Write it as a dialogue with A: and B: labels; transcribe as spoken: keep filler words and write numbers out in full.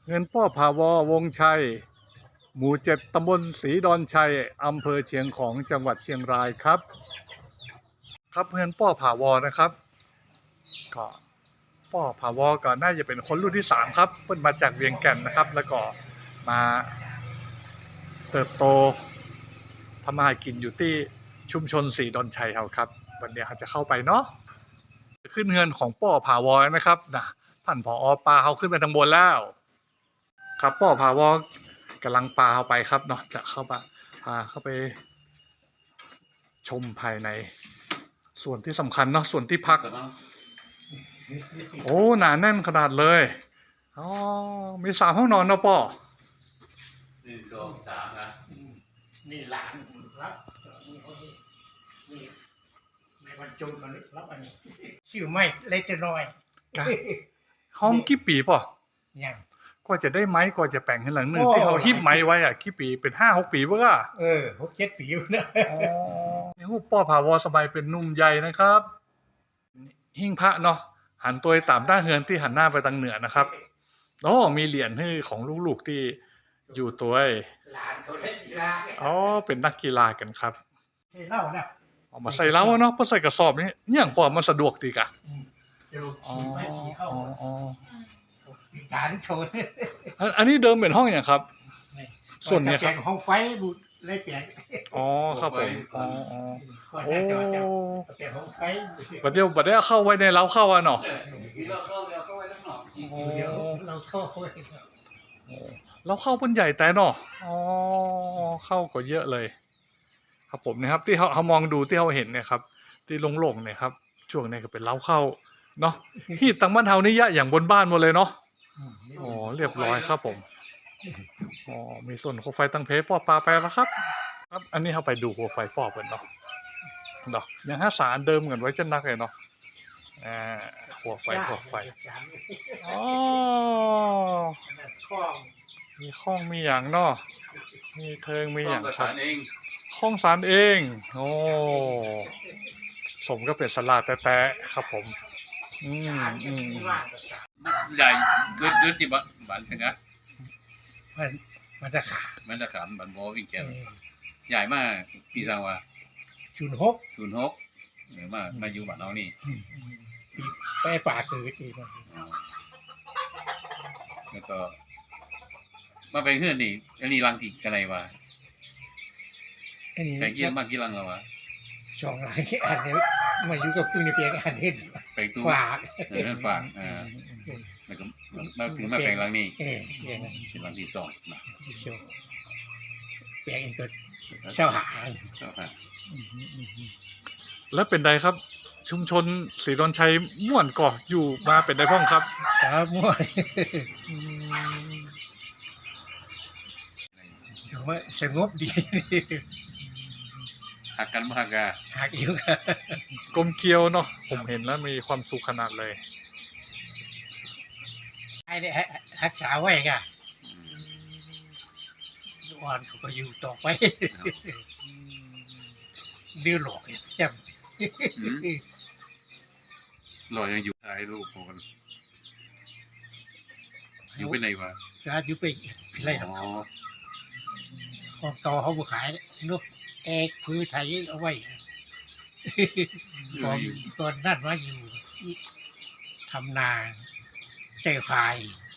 A: เงินป้อภาวอวงชัยหมู่เจ็ดตำบลศรีดอนชัยอำเภอเชียงของจังหวัดเชียงรายครับครับเงินป้อภาวอนะครับก็ป้อภาวอก็น่าจะเป็นคนรุ่นที่สามครับเพิ่นมาจากเวียงแก่นนะครับแล้วก็มาเติบโตทำมาหากินอยู่ที่ชุมชนศรีดอนชัยเราครับวันนี้เขาจะเข้าไปเนาะขึ้นเงินของป้อภาวอนะครับนะท่านผอปลาเขาขึ้นไปทางบนแล้วครับป้อภาวอกำลังปลาเข้าไปครับเนาะจะเข้าไปพาเข้าไปชมภายในส่วนที่สำคัญเนาะส่วนที่พักโอ้หนาแน่นขนาดเลยอ๋อมีสามห้องนอนเนาะป้อ
B: หนึ่งสองสามนะ
C: นี่หลานรับนี่เขานี่นี่ในวันจุนกันรับอันนี้ชื่อไม่เล็กจะน้อย
A: ห้องกี่ปีป่ะ
C: ยัง
A: ก็จะได้ไม้ก็จะแปลงให้หลังหนึ่งที่เขาฮิปไม้ไว้อะกี่ปีเป็นห้าหกปีเบ้อ
C: เออหกเจ็ดปีอยู่นะ
A: อ๋อนี่หูป้อผาวอสบายเป็นนุ่มใหญ่นะครับหิ้งพระเนาะหันตัวตามด้านเฮือนที่หันหน้าไปทางเหนือนะครับโอ้มีเหรียญให้ของลูกๆที่อยู่ตัว
C: หลานเขาเล่นกีฬา
A: อ๋อเป็นนักกีฬากันครับ
C: ให้เล่านะ
A: เอามาใส่เล้าเนาะเพื่อใส่กระสอบนี่อย่างพอมันสะดวกดีกะ
C: อ๋ออ๋อการโชว์
A: อันนี้เดิมเป็นห้องอย่างครับส่วนนี้ครับ
C: ห้องไฟบุเลยเปลี่ยน
A: อ๋อครับผมอ๋ออ๋อโอ้
C: ห้องไฟ
A: บัดเดียวบัดเดียวเข้าไว้ในเล้าเข้าอ่ะเนาะ
B: เราเข้าเราเข้าไว้ทั้งหนอก
C: เราเข้า
A: เราเข้าเป็นใหญ่แต่เนาะอ๋อเข้าก็เยอะเลยครับผมนะครับที่เขาเขามองดูที่เขาเห็นเนี่ยครับที่โล่งๆเนี่ยครับช่วงนี้ก็เป็นเล้าเข้าเนาะที่ตังบ้านเฮานี่ยะอย่างบนบ้านหมดเลยเนาะอ๋อเรียบร้อยครับผมอ๋อมีส่วนโคมไฟตั้งเพป้อปลาไปแล้วครับครับอันนี้เขาไปดูโคมไฟป้อเป็นเนาะเนาะยังห้าสารเดิมเหมือนไว้จะนักเลยเนาะอ่าหัวไฟหัวไฟอ๋อมีข้องมีอย่างเนาะมีเทิงมีอย่างครับห้องสารเองโอ้สมก็เป็นสลาดแต่ๆครับผมอืมอืม
B: ใหญ่ด้วยด้วยที่บ้านบ้านถึงนะ
C: มันมันจะขา
B: มันจะขามบ้านโมวิ่งแก้วใหญ่มากปีสังวา
C: ศูนย์หก
B: ศูนย์หกหรือมามาอยู่บ้านเรานี่
C: ไปป่าคือทีมา
B: แล้วก็มาไปเฮือนนี่อันนี้รังที่กันไรวะแต่กี่มากกี่รังแล้ววะ
C: สองรังอันนี้มาอยู่กับคุณนี่เพียงอันนี้
B: ไปตู้
C: ฝาก
B: เออฝากอ่าแล้วก็มาถึงมาแปลงรังนี่
C: เออ
B: เป็นรังที่สองนะ
C: แปลงก็เช่าหา
B: เช่าหา
A: แล้วเป็นใดครับชุมชนศรีดอนชัยม่วนก่ออยู่มาเป็นใดพ้องครับ
C: ครับม่วนถือว่าสงบดี
B: หักกันมากอะ
C: หักอยู่กัน
A: กลมเกลียวเนาะผมเห็นแล้วมีความสุขขนาดเลย
C: ไอ้เนี่ยรักษาไว้ก่ะอ่อนเขาก็อยู่ต่อไปดื้อหลอกจำ
B: หล่อยังอยู่ท้ายลูกของมันอยู่ไปไหนวะ
C: การอยู่ไปไรหรอของต่อเขาบุขายนกเอกพื้นไทยเอาไว้ตอนตอนนั้นว่าอยู่ทำนาเจ้าขาย